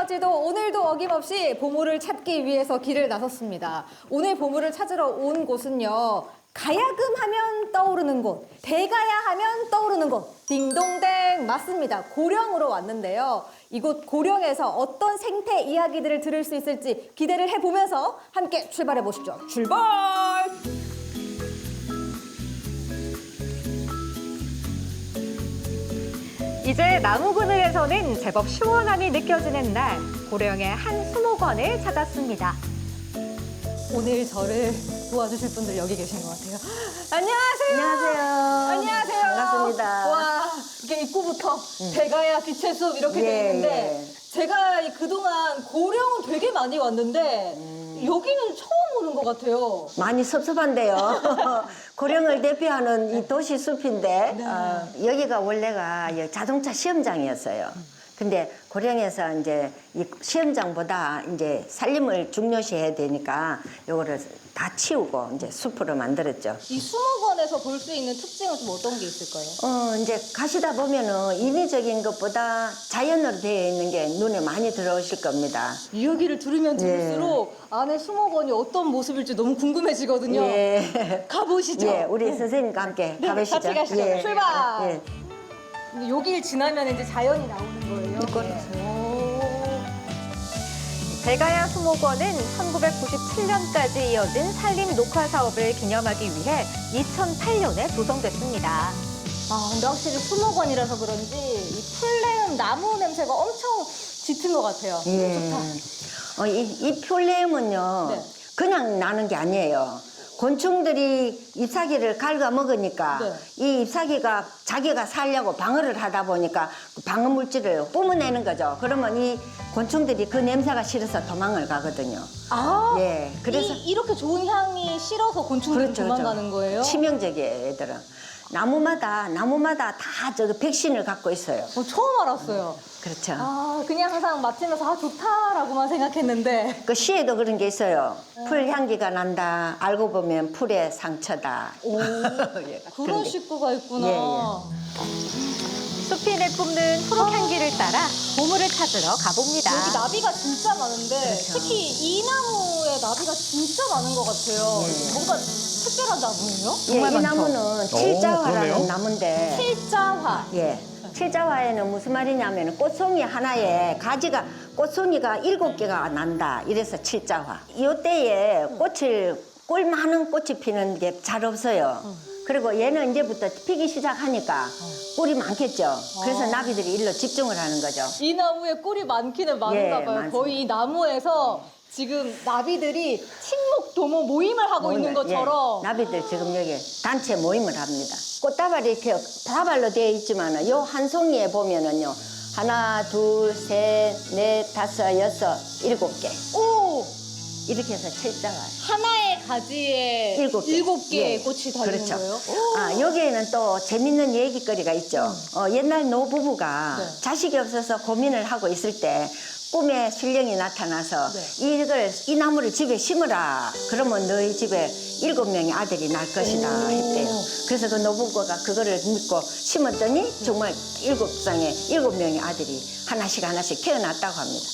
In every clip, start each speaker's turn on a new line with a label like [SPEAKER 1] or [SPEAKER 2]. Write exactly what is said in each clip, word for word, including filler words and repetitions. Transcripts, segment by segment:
[SPEAKER 1] 강아지도 오늘도 어김없이 보물을 찾기 위해서 길을 나섰습니다. 오늘 보물을 찾으러 온 곳은요. 가야금 하면 떠오르는 곳, 대가야 하면 떠오르는 곳. 딩동댕 맞습니다. 고령으로 왔는데요. 이곳 고령에서 어떤 생태 이야기들을 들을 수 있을지 기대를 해보면서 함께 출발해 보시죠. 출발! 이제 나무 그늘에서는 제법 시원함이 느껴지는 날, 고령의 한 수목원을 찾았습니다. 오늘 저를 도와주실 분들 여기 계신 것 같아요. 안녕하세요.
[SPEAKER 2] 안녕하세요.
[SPEAKER 1] 안녕하세요.
[SPEAKER 2] 반갑습니다.
[SPEAKER 1] 와, 이게 입구부터 대가야 빛의 숲 이렇게
[SPEAKER 2] 예,
[SPEAKER 1] 돼 있는데
[SPEAKER 2] 예.
[SPEAKER 1] 제가 이 그동안 고령은 되게 많이 왔는데
[SPEAKER 2] 음.
[SPEAKER 1] 여기는 처음 오는 것 같아요.
[SPEAKER 2] 많이 섭섭한데요. 고령을 대표하는 이 도시 숲인데 어, 여기가 원래가 이 자동차 시험장이었어요. 근데 고령에서 이제 이 시험장보다 이제 산림을 중요시해야 되니까 요거를 다 치우고 이제 숲으로 만들었죠.
[SPEAKER 1] 이 수목원에서 볼 수 있는 특징은 좀 어떤 게 있을까요?
[SPEAKER 2] 어, 이제 가시다 보면은 인위적인 것보다 자연으로 되어 있는 게 눈에 많이 들어오실 겁니다.
[SPEAKER 1] 이야기를 들으면
[SPEAKER 2] 예.
[SPEAKER 1] 들을수록 안에 수목원이 어떤 모습일지 너무 궁금해지거든요.
[SPEAKER 2] 예.
[SPEAKER 1] 가보시죠.
[SPEAKER 2] 예, 우리 선생님과 함께
[SPEAKER 1] 네,
[SPEAKER 2] 가보시죠.
[SPEAKER 1] 같이 가시죠.
[SPEAKER 2] 예.
[SPEAKER 1] 출발!
[SPEAKER 2] 예.
[SPEAKER 1] 근데 여길 지나면 이제 자연이 나오는 거예요.
[SPEAKER 2] 이거는.
[SPEAKER 1] 대가야 수목원은 천구백구십칠 년까지 이어진 산림 녹화 사업을 기념하기 위해 이천팔 년에 조성됐습니다. 아, 근데 확실히 수목원이라서 그런지 이 풀냄, 나무 냄새가 엄청 짙은 것 같아요.
[SPEAKER 2] 예.
[SPEAKER 1] 좋다.
[SPEAKER 2] 어, 이, 이 풀냄은요,
[SPEAKER 1] 네.
[SPEAKER 2] 그냥 나는 게 아니에요. 곤충들이 잎사귀를 갉아 먹으니까
[SPEAKER 1] 네.
[SPEAKER 2] 이 잎사귀가 자기가 살려고 방어를 하다 보니까 그 방어 물질을 뿜어내는 거죠. 그러면 이 곤충들이 그 냄새가 싫어서 도망을 가거든요.
[SPEAKER 1] 아,
[SPEAKER 2] 예, 그래서
[SPEAKER 1] 이, 이렇게 좋은 향이 싫어서 곤충들이
[SPEAKER 2] 그렇죠,
[SPEAKER 1] 도망가는 거예요?
[SPEAKER 2] 치명적이에요, 얘들은. 나무마다 나무마다 다 저기 백신을 갖고 있어요.
[SPEAKER 1] 어, 처음 알았어요.
[SPEAKER 2] 그렇죠.
[SPEAKER 1] 아, 그냥 항상 맡으면서 아, 좋다라고만 생각했는데.
[SPEAKER 2] 그 시에도 그런 게 있어요. 풀 향기가 난다. 알고 보면 풀의 상처다.
[SPEAKER 1] 오,
[SPEAKER 2] 예,
[SPEAKER 1] 그런
[SPEAKER 2] 게.
[SPEAKER 1] 식구가 있구나.
[SPEAKER 2] 예, 예.
[SPEAKER 1] 숲이 내뿜는 초록 향기를 따라 보물을 찾으러 가봅니다. 여기 나비가 진짜 많은데
[SPEAKER 2] 그렇죠.
[SPEAKER 1] 특히 이 나무에 나비가 진짜 많은 것 같아요.
[SPEAKER 2] 예.
[SPEAKER 1] 뭔가 특별한 나무예요?
[SPEAKER 2] 예, 이 나무는 칠자화라는
[SPEAKER 3] 그러네요.
[SPEAKER 2] 나무인데,
[SPEAKER 1] 칠자화.
[SPEAKER 2] 예, 칠자화에는 무슨 말이냐면 꽃송이 하나에 가지가 꽃송이가 일곱 개가 난다. 이래서 칠자화. 이때에 꽃을 꿀 많은 꽃이 피는 게 잘 없어요. 그리고 얘는 이제부터 피기 시작하니까 꿀이 많겠죠. 그래서 나비들이 일로 집중을 하는 거죠.
[SPEAKER 1] 이 나무에 꿀이 많기는 많은가
[SPEAKER 2] 예,
[SPEAKER 1] 봐요.
[SPEAKER 2] 많습니다.
[SPEAKER 1] 거의 이 나무에서 지금 나비들이 친목 도모 모임을 하고 있는
[SPEAKER 2] 모임을,
[SPEAKER 1] 것처럼.
[SPEAKER 2] 예, 나비들 지금 여기 단체 모임을 합니다. 꽃다발이 이렇게 다발로 되어 있지만 요 한 송이에 보면은요. 하나, 둘, 셋, 넷, 다섯, 여섯, 일곱 개.
[SPEAKER 1] 오!
[SPEAKER 2] 이렇게 해서 칠자가.
[SPEAKER 1] 하나의 가지에
[SPEAKER 2] 일곱 개.
[SPEAKER 1] 일곱 개의
[SPEAKER 2] 예,
[SPEAKER 1] 꽃이 달리는
[SPEAKER 2] 그렇죠.
[SPEAKER 1] 거예요?
[SPEAKER 2] 아, 여기에는 또 재밌는 얘기거리가 있죠. 어, 옛날 노부부가
[SPEAKER 1] 네.
[SPEAKER 2] 자식이 없어서 고민을 하고 있을 때 꿈에 신령이 나타나서
[SPEAKER 1] 네.
[SPEAKER 2] 이걸 이 나무를 집에 심으라. 그러면 너희 집에 일곱 명의 아들이 날 것이다 했대요. 그래서 그 노부부가 그거를 믿고 심었더니 정말 일곱 쌍의 일곱 명의 아들이 하나씩 하나씩 태어났다고 합니다.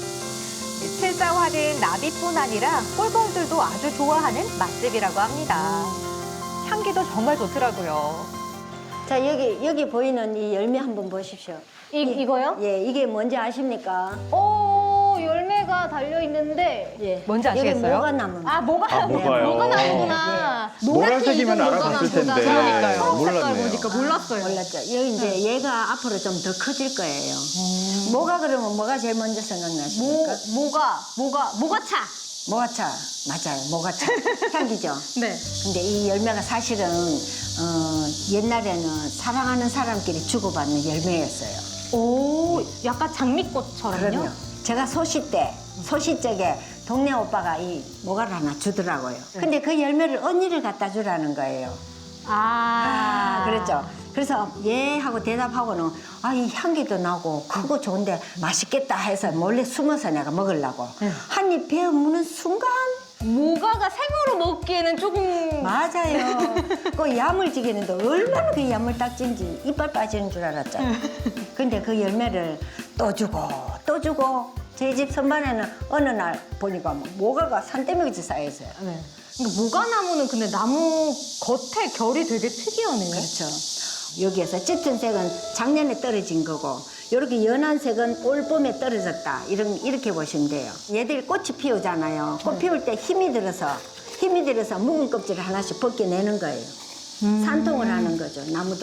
[SPEAKER 1] 칠자화는 나비뿐 아니라 꿀벌들도 아주 좋아하는 맛집이라고 합니다. 향기도 정말 좋더라고요.
[SPEAKER 2] 자, 여기 여기 보이는 이 열매 한번 보십시오.
[SPEAKER 1] 이, 이거요?
[SPEAKER 2] 예, 이게 뭔지 아십니까?
[SPEAKER 1] 오, 열매가 달려있는데.
[SPEAKER 2] 예.
[SPEAKER 1] 뭔지
[SPEAKER 2] 여기
[SPEAKER 1] 아시겠어요?
[SPEAKER 2] 뭐가 나무?
[SPEAKER 1] 아, 뭐가,
[SPEAKER 3] 아, 뭐가요?
[SPEAKER 1] 뭐가 나오구나.
[SPEAKER 3] 노란색이면
[SPEAKER 1] 노랗게 익은
[SPEAKER 3] 알아봤을
[SPEAKER 1] 뭐가
[SPEAKER 3] 텐데.
[SPEAKER 1] 나오구나. 그러니까요. 초록 색깔
[SPEAKER 3] 몰랐네요.
[SPEAKER 1] 보니까 몰랐어요.
[SPEAKER 2] 몰랐죠. 여기 이제
[SPEAKER 1] 네.
[SPEAKER 2] 얘가 앞으로 좀 더 커질 거예요. 뭐가 그러면 뭐가 제일 먼저
[SPEAKER 1] 모,
[SPEAKER 2] 생각나십니까?
[SPEAKER 1] 뭐가, 뭐가, 뭐가차.
[SPEAKER 2] 모가차. 맞아요. 모가차. 향기죠.
[SPEAKER 1] 네.
[SPEAKER 2] 근데 이 열매가 사실은 어, 옛날에는 사랑하는 사람끼리 주고받는 열매였어요.
[SPEAKER 1] 오, 약간 장미꽃처럼요?
[SPEAKER 2] 그럼요. 제가 소시 때, 소시 쪽에 동네 오빠가 이 모가를 하나 주더라고요.
[SPEAKER 1] 네.
[SPEAKER 2] 근데 그 열매를 언니를 갖다 주라는 거예요.
[SPEAKER 1] 아,
[SPEAKER 2] 아, 그랬죠. 그래서 예 하고 대답하고는 아, 이 향기도 나고 크고 좋은데 맛있겠다 해서 몰래 숨어서 내가 먹으려고 한 입 베어 무는 순간
[SPEAKER 1] 모가가 생으로 먹기에는 조금.
[SPEAKER 2] 맞아요. 그 야물지기는데 얼마나 그 야물딱진지 이빨 빠지는 줄 알았죠. 근데 그 열매를 또 주고 또 주고 저희 집 선반에는 어느 날 보니까 뭐 모가가 산더미같이 쌓여있어요.
[SPEAKER 1] 네. 그러니까 모가나무는 근데 나무 겉에 결이 되게 특이하네요.
[SPEAKER 2] 그렇죠. 여기에서 짙은 색은 작년에 떨어진 거고 이렇게 연한 색은 올 봄에 떨어졌다. 이런, 이렇게 보시면 돼요. 얘들이 꽃이 피우잖아요. 꽃 피울 때 힘이 들어서 힘이 들어서 묵은 껍질을 하나씩 벗겨내는 거예요. 산통을 하는 거죠, 나무도.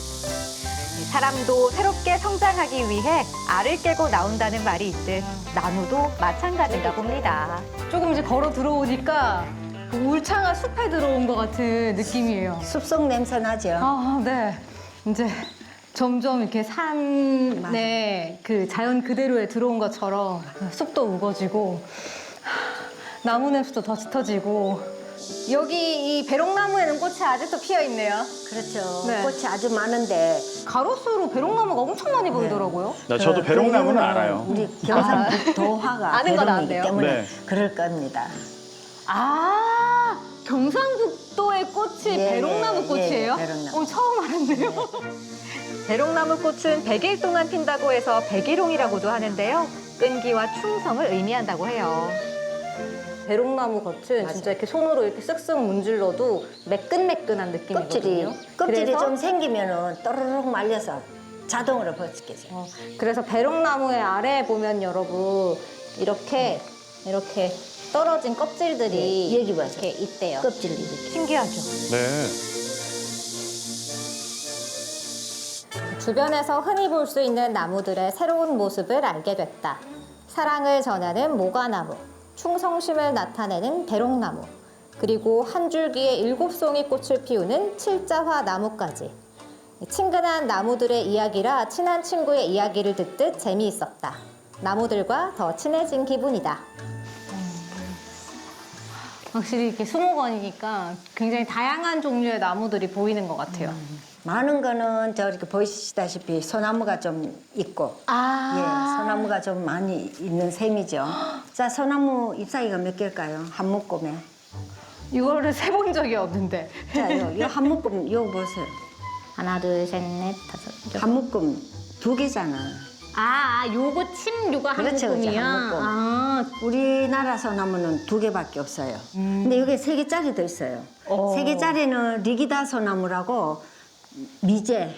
[SPEAKER 3] 사람도 새롭게 성장하기 위해 알을 깨고 나온다는 말이 있듯 나무도 마찬가지인가 봅니다.
[SPEAKER 1] 조금 이제 걸어 들어오니까 그 울창한 숲에 들어온 것 같은 느낌이에요.
[SPEAKER 2] 숲속 냄새 나죠.
[SPEAKER 1] 아, 네. 이제 점점 이렇게 산에 그 자연 그대로에 들어온 것처럼 숲도 우거지고 나무 냄새도 더 짙어지고 여기 이 배롱나무에는 꽃이 아직도 피어 있네요.
[SPEAKER 2] 그렇죠.
[SPEAKER 1] 네.
[SPEAKER 2] 꽃이 아주 많은데
[SPEAKER 1] 가로수로 배롱나무가 엄청 많이 보이더라고요.
[SPEAKER 4] 나 저도
[SPEAKER 2] 그
[SPEAKER 4] 배롱나무는
[SPEAKER 2] 이유는
[SPEAKER 4] 알아요.
[SPEAKER 2] 우리 경상북도화가
[SPEAKER 1] 아는 건
[SPEAKER 2] 배롱이기
[SPEAKER 1] 아는데요?
[SPEAKER 2] 때문에
[SPEAKER 4] 네.
[SPEAKER 2] 그럴 겁니다.
[SPEAKER 1] 아, 경상북도의 꽃이
[SPEAKER 2] 예,
[SPEAKER 1] 배롱나무
[SPEAKER 2] 예,
[SPEAKER 1] 꽃이에요?
[SPEAKER 2] 예, 배롱나무.
[SPEAKER 1] 어, 처음 알았네요.
[SPEAKER 3] 배롱나무 꽃은 백 일 동안 핀다고 해서 백일홍이라고도 하는데요. 끈기와 충성을 의미한다고 해요.
[SPEAKER 1] 배롱나무 겉은
[SPEAKER 2] 맞아.
[SPEAKER 1] 진짜 이렇게 손으로 이렇게 쓱쓱 문질러도 매끈매끈한 느낌이거든요.
[SPEAKER 2] 껍질이 껍질이
[SPEAKER 1] 그래서,
[SPEAKER 2] 좀 생기면은 또르륵 말려서 자동으로 벗겨져요.
[SPEAKER 1] 어, 그래서 배롱나무의 아래에 보면 여러분 이렇게 이렇게 떨어진 껍질들이
[SPEAKER 2] 예, 여기 봐서.
[SPEAKER 1] 이렇게 있대요.
[SPEAKER 2] 껍질 이렇게.
[SPEAKER 3] 신기하죠?
[SPEAKER 4] 네.
[SPEAKER 1] 주변에서 흔히 볼 수 있는 나무들의 새로운 모습을 알게 됐다. 사랑을 전하는 모가나무, 충성심을 나타내는 배롱나무, 그리고 한 줄기에 일곱 송이 꽃을 피우는 칠자화 나무까지. 친근한 나무들의 이야기라 친한 친구의 이야기를 듣듯 재미있었다. 나무들과 더 친해진 기분이다. 확실히 이렇게 수목원이니까 굉장히 다양한 종류의 나무들이 보이는 것 같아요.
[SPEAKER 2] 많은 거는 저렇게 보시다시피 소나무가 좀 있고
[SPEAKER 1] 아,
[SPEAKER 2] 예, 소나무가 좀 많이 있는 셈이죠. 자, 소나무 잎사귀가 몇 개일까요? 한 묶음에.
[SPEAKER 1] 이거를 세본 적이 없는데.
[SPEAKER 2] 자, 요, 요 한 묶음 요 보세요.
[SPEAKER 1] 하나, 둘, 셋, 넷, 다섯.
[SPEAKER 2] 한 묶음 두 개잖아.
[SPEAKER 1] 아, 아, 요거 침, 요거 한
[SPEAKER 2] 그렇죠, 그렇죠,
[SPEAKER 1] 묶음이야.
[SPEAKER 2] 한 묶음.
[SPEAKER 1] 아,
[SPEAKER 2] 우리나라 소나무는 두 개밖에 없어요. 근데 여기 세 개짜리도 있어요.
[SPEAKER 1] 어.
[SPEAKER 2] 세 개짜리는 리기다 소나무라고 미제,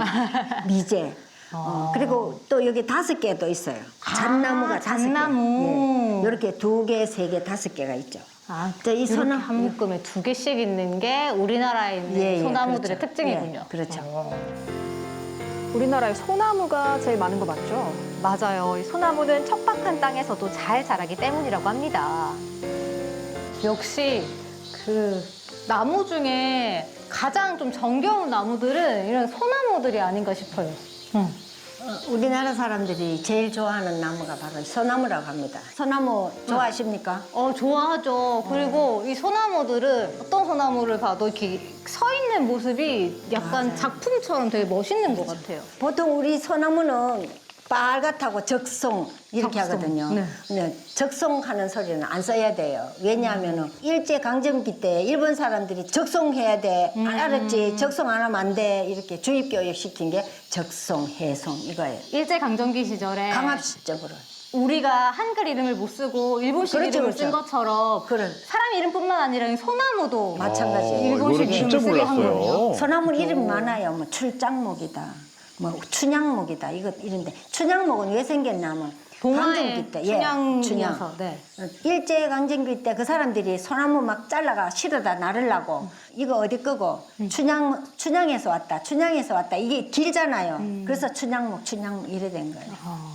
[SPEAKER 2] 미제. 어, 그리고 또 여기 다섯 개도 있어요. 잣나무가 다섯 개.
[SPEAKER 1] 잣나무.
[SPEAKER 2] 예, 이렇게 두 개, 세 개, 다섯 개가 있죠.
[SPEAKER 1] 아,
[SPEAKER 2] 자, 이
[SPEAKER 1] 이렇게
[SPEAKER 2] 소나-
[SPEAKER 1] 한 묶음에 두 개씩 있는 게 우리나라에 있는
[SPEAKER 2] 예, 예,
[SPEAKER 1] 소나무들의
[SPEAKER 2] 그렇죠.
[SPEAKER 1] 특징이군요.
[SPEAKER 2] 예, 그렇죠.
[SPEAKER 5] 우리나라에 소나무가 제일 많은 거 맞죠?
[SPEAKER 3] 맞아요. 이 소나무는 척박한 땅에서도 잘 자라기 때문이라고 합니다.
[SPEAKER 1] 역시 그 나무 중에 가장 좀 정겨운 나무들은 이런 소나무들이 아닌가 싶어요. 응.
[SPEAKER 2] 어, 우리나라 사람들이 제일 좋아하는 나무가 바로 소나무라고 합니다. 소나무 좋아하십니까?
[SPEAKER 1] 어, 좋아하죠. 그리고 이 소나무들은 어떤 소나무를 봐도 이렇게 서 있는 모습이 약간 작품처럼 되게 멋있는 것 같아요.
[SPEAKER 2] 보통 우리 소나무는 빨갛다고 적송 이렇게
[SPEAKER 1] 적송,
[SPEAKER 2] 하거든요.
[SPEAKER 1] 네.
[SPEAKER 2] 근데 적송하는 소리는 안 써야 돼요. 왜냐하면 일제 강점기 때 일본 사람들이 적송해야 돼.
[SPEAKER 1] 음.
[SPEAKER 2] 알았지? 적송 안 하면 안 돼. 이렇게 주입 교육 시킨 게 적송, 해송 이거예요.
[SPEAKER 1] 일제강점기 시절에
[SPEAKER 2] 강압적으로.
[SPEAKER 1] 우리가 한글 이름을 못 쓰고 일본식
[SPEAKER 2] 그렇죠,
[SPEAKER 1] 이름을 쓴
[SPEAKER 2] 그렇죠.
[SPEAKER 1] 것처럼
[SPEAKER 2] 그래.
[SPEAKER 1] 사람 이름뿐만 아니라 이 소나무도
[SPEAKER 2] 마찬가지예요.
[SPEAKER 4] 어,
[SPEAKER 1] 일본식
[SPEAKER 4] 이거는 진짜
[SPEAKER 1] 이름을 쓰게 한 거예요.
[SPEAKER 4] 몰랐어요.
[SPEAKER 2] 소나무 이름 많아요. 뭐 출장목이다. 뭐 춘향목이다. 이거 이런데 춘향목은 왜 생겼냐면
[SPEAKER 1] 동화의
[SPEAKER 2] 강점기 때
[SPEAKER 1] 춘향이어서, 네.
[SPEAKER 2] 일제 강점기 때 그 사람들이 소나무 막 잘라가 실어다 나르려고 이거 어디 거고 춘향 춘향에서 왔다. 춘향에서 왔다. 이게 길잖아요. 그래서 춘향목 춘향목 이래 된 거예요.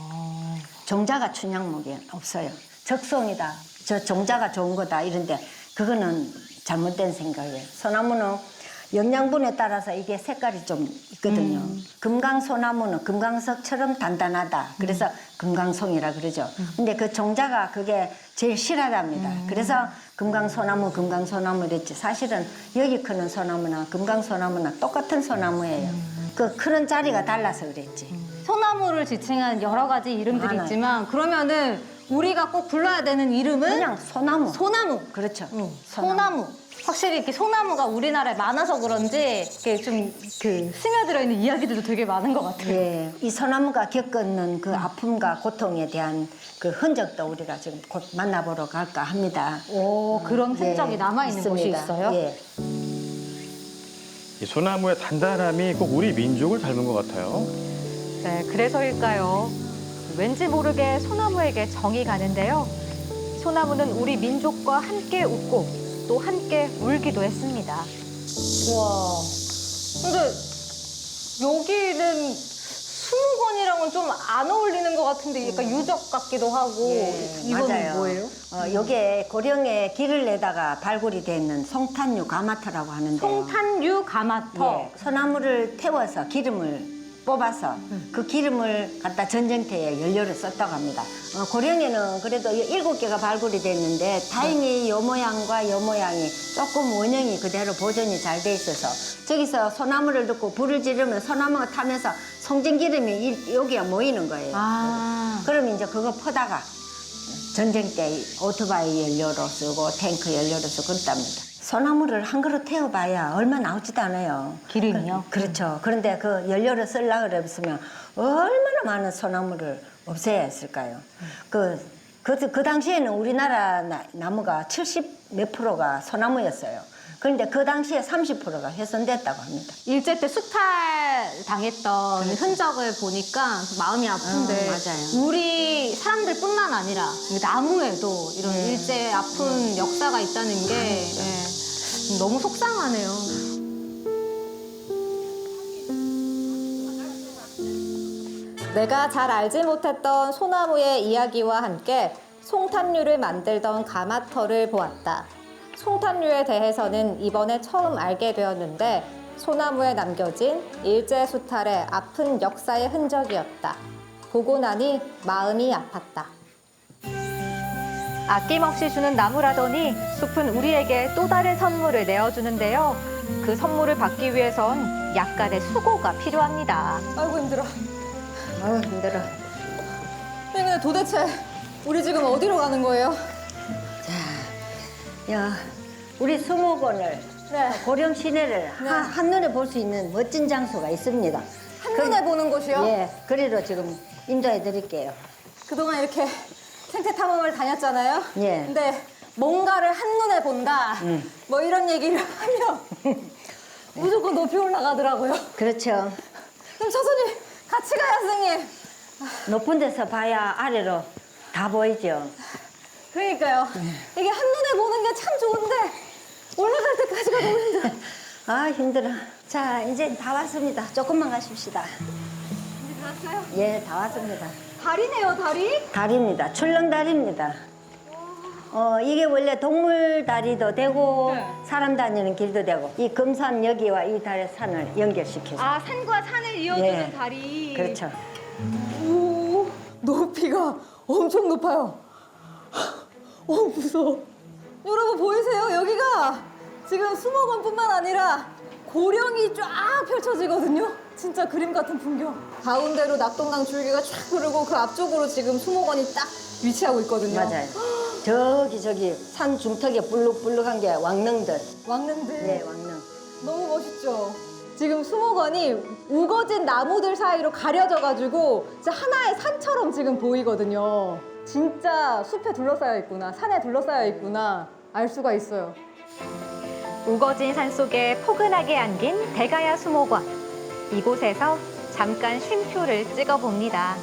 [SPEAKER 2] 종자가 춘향목이 없어요. 적송이다. 저 종자가 좋은 거다. 이런데 그거는 잘못된 생각이에요. 소나무는 영양분에 따라서 이게 색깔이 좀 있거든요. 금강소나무는 금강석처럼 단단하다. 그래서 금강송이라 그러죠. 근데 그 종자가 그게 제일 실하답니다. 그래서 금강소나무, 금강소나무 이랬지. 사실은 여기 크는 소나무나 금강소나무나 똑같은 소나무예요. 그 크는 자리가 달라서 그랬지.
[SPEAKER 1] 소나무를 지칭한 여러 가지 이름들이
[SPEAKER 2] 많아요.
[SPEAKER 1] 있지만 그러면은 우리가 꼭 불러야 되는 이름은
[SPEAKER 2] 그냥 소나무.
[SPEAKER 1] 소나무.
[SPEAKER 2] 그렇죠.
[SPEAKER 1] 응, 소나무. 확실히 이렇게 소나무가 우리나라에 많아서 그런지 이렇게 좀 그 스며들어 있는 이야기들도 되게 많은 것 같아요.
[SPEAKER 2] 예, 이 소나무가 겪는 그 아픔과 고통에 대한 그 흔적도 우리가 지금 곧 만나보러 갈까 합니다.
[SPEAKER 1] 오, 그런
[SPEAKER 2] 예,
[SPEAKER 1] 흔적이 남아있는 곳이
[SPEAKER 2] 있습니다.
[SPEAKER 1] 있어요?
[SPEAKER 2] 예.
[SPEAKER 4] 이 소나무의 단단함이 꼭 우리 민족을 닮은 것 같아요.
[SPEAKER 3] 네, 그래서일까요? 왠지 모르게 소나무에게 정이 가는데요. 소나무는 우리 민족과 함께 웃고 또 함께 울기도 했습니다.
[SPEAKER 1] 와. 근데 여기는 수목원이랑은 좀 안 어울리는 것 같은데 약간 유적 같기도 하고
[SPEAKER 2] 예,
[SPEAKER 1] 이건
[SPEAKER 2] 맞아요.
[SPEAKER 1] 뭐예요?
[SPEAKER 2] 어, 요게 고령에 길을 내다가 발굴이 돼 있는 송탄류 가마터라고 하는데요.
[SPEAKER 1] 송탄류 가마터.
[SPEAKER 2] 예, 소나무를 태워서 기름을 뽑아서 그 기름을 갖다 전쟁터에 연료를 썼다고 합니다. 어, 고령에는 그래도 일곱 개가 발굴이 됐는데 다행히 요 모양과 요 모양이 조금 원형이 그대로 보존이 잘 돼 있어서 저기서 소나무를 듣고 불을 지르면 소나무가 타면서 송전기름이 이- 여기에 모이는 거예요.
[SPEAKER 1] 아.
[SPEAKER 2] 그럼 이제 그거 퍼다가 전쟁 때 오토바이 연료로 쓰고 탱크 연료로 쓰고 그랬답니다. 소나무를 한 그릇 태워봐야 얼마 나오지도 않아요.
[SPEAKER 1] 기름이요?
[SPEAKER 2] 그, 그렇죠. 그런데 그 연료를 쓰려고 그랬으면 얼마나 많은 소나무를 없애야 했을까요? 그, 그, 그 당시에는 우리나라 나, 나무가 칠십 몇 프로가 소나무였어요. 그런데 그 당시에 삼십 프로가 훼손됐다고 합니다.
[SPEAKER 1] 일제 때 수탈 당했던 흔적을 보니까 마음이 아픈데
[SPEAKER 2] 어, 맞아요.
[SPEAKER 1] 우리 사람들뿐만 아니라 이 나무에도 이런 일제 아픈 역사가 있다는 게 예, 너무 속상하네요. 내가 잘 알지 못했던 소나무의 이야기와 함께 송탄류를 만들던 가마터를 보았다. 송탄류에 대해서는 이번에 처음 알게 되었는데 소나무에 남겨진 일제 수탈의 아픈 역사의 흔적이었다. 보고 나니 마음이 아팠다.
[SPEAKER 3] 아낌없이 주는 나무라더니 숲은 우리에게 또 다른 선물을 내어주는데요. 그 선물을 받기 위해선 약간의 수고가 필요합니다.
[SPEAKER 1] 아이고 힘들어.
[SPEAKER 2] 아유 힘들어.
[SPEAKER 1] 근데 도대체 우리 지금 어디로 가는 거예요?
[SPEAKER 2] 야, 우리 수목원을
[SPEAKER 1] 네.
[SPEAKER 2] 고령 시내를
[SPEAKER 1] 네.
[SPEAKER 2] 한, 한눈에 볼 수 있는 멋진 장소가 있습니다.
[SPEAKER 1] 한눈에 보는 곳이요?
[SPEAKER 2] 예, 그리로 지금 인도해 드릴게요.
[SPEAKER 1] 그동안 이렇게 생태 탐험을 다녔잖아요.
[SPEAKER 2] 예.
[SPEAKER 1] 근데 뭔가를 한눈에 본다.
[SPEAKER 2] 음.
[SPEAKER 1] 뭐 이런 얘기를 하면 무조건 높이 올라가더라고요.
[SPEAKER 2] 그렇죠.
[SPEAKER 1] 그럼 천천히 같이 가요, 선생님.
[SPEAKER 2] 높은 데서 봐야 아래로 다 보이죠.
[SPEAKER 1] 그러니까요. 이게 한눈에 보는 게 참 좋은데 올라갈 때까지가 너무 힘들어.
[SPEAKER 2] 아 힘들어. 자 이제 다 왔습니다. 조금만 가십시다.
[SPEAKER 1] 이제 다 왔어요?
[SPEAKER 2] 예, 다 왔습니다.
[SPEAKER 1] 다리네요, 다리.
[SPEAKER 2] 다리입니다. 출렁다리입니다. 어 이게 원래 동물 다리도 되고
[SPEAKER 1] 네.
[SPEAKER 2] 사람 다니는 길도 되고 이 금산 여기와 이 달의 산을 연결시켜서.
[SPEAKER 1] 아, 산과 산을 이어주는
[SPEAKER 2] 예.
[SPEAKER 1] 다리.
[SPEAKER 2] 그렇죠.
[SPEAKER 1] 오, 높이가 엄청 높아요. 어, 무서워. 여러분 보이세요? 여기가 지금 수목원뿐만 아니라 고령이 쫙 펼쳐지거든요. 진짜 그림 같은 풍경. 가운데로 낙동강 줄기가 쫙 흐르고 그 앞쪽으로 지금 수목원이 딱 위치하고 있거든요.
[SPEAKER 2] 맞아요. 저기 저기 산 중턱에 불룩불룩한 게 왕릉들.
[SPEAKER 1] 왕릉들.
[SPEAKER 2] 네, 왕릉.
[SPEAKER 1] 너무 멋있죠? 지금 수목원이 우거진 나무들 사이로 가려져가지고 진짜 하나의 산처럼 지금 보이거든요. 진짜 숲에 둘러싸여 있구나, 산에 둘러싸여 있구나 알 수가 있어요.
[SPEAKER 3] 우거진 산속에 포근하게 안긴 대가야 수목원. 이곳에서 잠깐 쉼표를 찍어봅니다.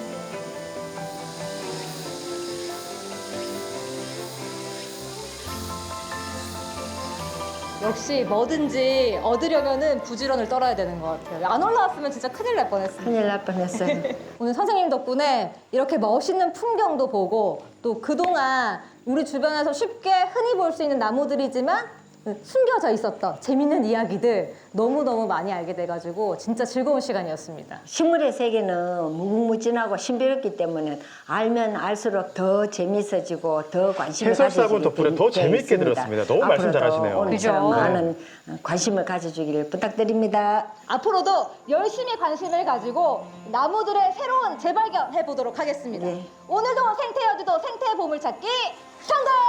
[SPEAKER 1] 역시 뭐든지 얻으려면은 부지런을 떨어야 되는 것 같아요. 안 올라왔으면 진짜 큰일 날 뻔했어요.
[SPEAKER 2] 큰일 날 뻔했어요.
[SPEAKER 1] 오늘 선생님 덕분에 이렇게 멋있는 풍경도 보고 또 그동안 우리 주변에서 쉽게 흔히 볼 수 있는 나무들이지만 숨겨져 있었던 재밌는 이야기들 너무너무 많이 알게 돼가지고 진짜 즐거운 시간이었습니다.
[SPEAKER 2] 식물의 세계는 무궁무진하고 신비롭기 때문에 알면 알수록 더 재미있어지고 더 관심을
[SPEAKER 4] 해설사분
[SPEAKER 2] 가져주게
[SPEAKER 4] 덕분에 더
[SPEAKER 2] 돼
[SPEAKER 4] 재밌게
[SPEAKER 2] 있습니다.
[SPEAKER 4] 들었습니다. 너무 말씀
[SPEAKER 2] 앞으로도
[SPEAKER 4] 잘하시네요.
[SPEAKER 2] 오늘처럼
[SPEAKER 3] 그죠?
[SPEAKER 2] 많은 관심을 가져주기를 부탁드립니다.
[SPEAKER 1] 앞으로도 열심히 관심을 가지고 나무들의 새로운 재발견 해보도록 하겠습니다.
[SPEAKER 2] 네.
[SPEAKER 1] 오늘도 생태 여주도 생태 보물찾기 정답!